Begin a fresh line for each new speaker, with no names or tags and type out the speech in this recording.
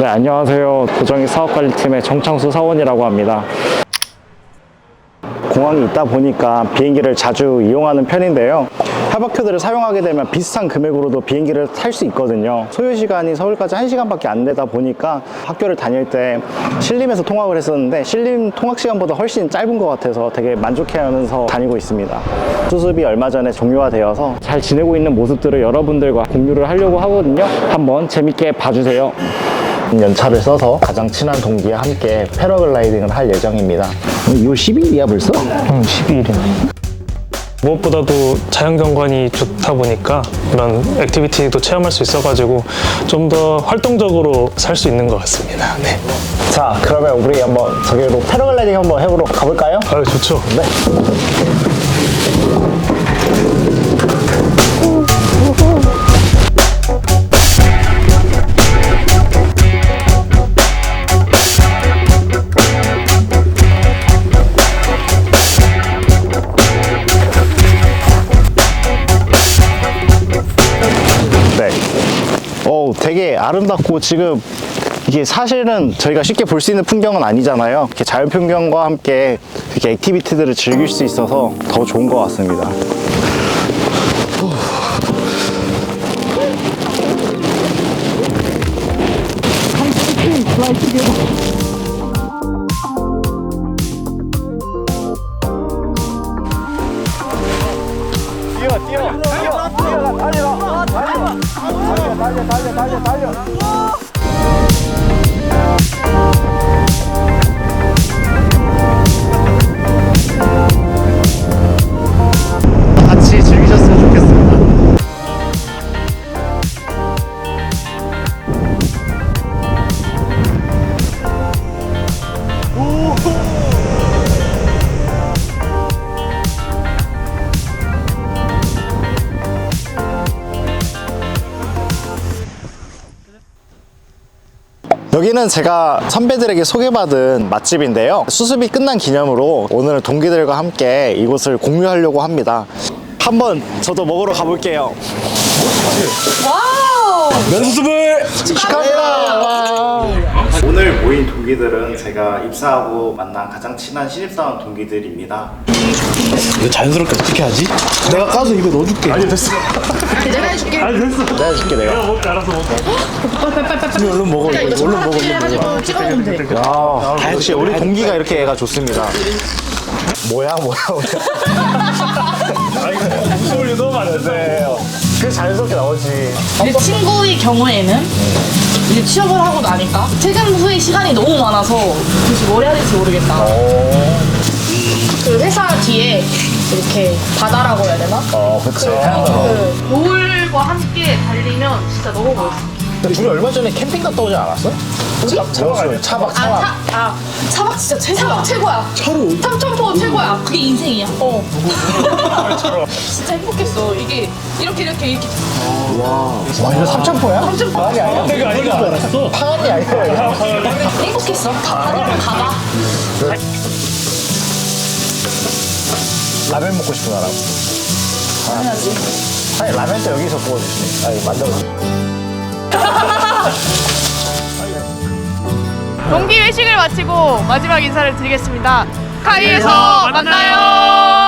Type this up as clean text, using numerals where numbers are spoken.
네, 안녕하세요. 도정익 사업관리팀의 정창수 사원이라고 합니다. 공항이 있다 보니까 비행기를 자주 이용하는 편인데요. 협약표들을 사용하게 되면 비슷한 금액으로도 비행기를 탈 수 있거든요. 소요시간이 서울까지 1시간밖에 안 되다 보니까 학교를 다닐 때 신림에서 통학을 했었는데 신림 통학시간보다 훨씬 짧은 것 같아서 되게 만족해하면서 다니고 있습니다. 수습이 얼마 전에 종료가 되어서 잘 지내고 있는 모습들을 여러분들과 공유를 하려고 하거든요. 한번 재밌게 봐주세요. 연차를 써서 가장 친한 동기와 함께 패러글라이딩을 할 예정입니다. 2월 12일이야 벌써?
12일이네. 무엇보다도 자연경관이 좋다 보니까 이런 액티비티도 체험할 수 있어가지고 좀 더 활동적으로 살 수 있는 것 같습니다. 네.
자, 그러면 우리 한번 저기로 패러글라이딩 한번 해보러 가볼까요?
아유, 좋죠.
네. 되게 아름답고 지금 이게 사실은 저희가 쉽게 볼 수 있는 풍경은 아니잖아요. 이렇게 자연 풍경과 함께 이렇게 액티비티들을 즐길 수 있어서 더 좋은 것 같습니다. 달려. 같이 즐기셨으면 좋겠습니다. 여기는 제가 선배들에게 소개받은 맛집인데요. 수습이 끝난 기념으로 오늘은 동기들과 함께 이곳을 공유하려고 합니다. 한번 저도 먹으러 가볼게요.
와우!
면수습을 축하합니다. 오늘 모인 동기들은 제가 입사하고 만난 가장 친한 신입사원 동기들입니다.
이거 자연스럽게 어떻게 하지? 내가 까서 이거 넣어줄게.
아니 됐어.
내가 해줄게.
아니 됐어. 내가 해줄게 내가.
알아서 먹어.
얼른 먹어. 이거 얼른 먹어.
해가지고 찍어놓으면 돼.
야, 역시 우리 동기가 이렇게 애가 좋습니다. 뭐야.
목소리 너무 많은데.
그게 자연스럽게 나오지.
내 친구의 경우에는 이제 취업을 하고 나니까 퇴근 후에 시간이 너무 많아서 도대체 뭘 해야 될지 모르겠다. 그 회사 뒤에 이렇게 바다라고 해야 되나?
그치.
그 노을과 함께 달리면 진짜 너무 멋있어.
둘이 얼마 전에 캠핑 갔다 오지 않았어? 차박.
차박 진짜 최고야. 최고야.
차로
삼천포 최고야. 그게 인생이야. 진짜 행복했어. 이게 이렇게.
와, 이거 삼천포야?
삼천포.
아니야.
내가 아니가 알았어.
파안이 아니야.
행복했어. 다들 가봐.
라면 먹고 싶은 사람.
해야지.
아니, 라면도 여기서 구워주시네. 아니, 만들어.
동기 회식을 마치고 마지막 인사를 드리겠습니다. 카이에서 만나요.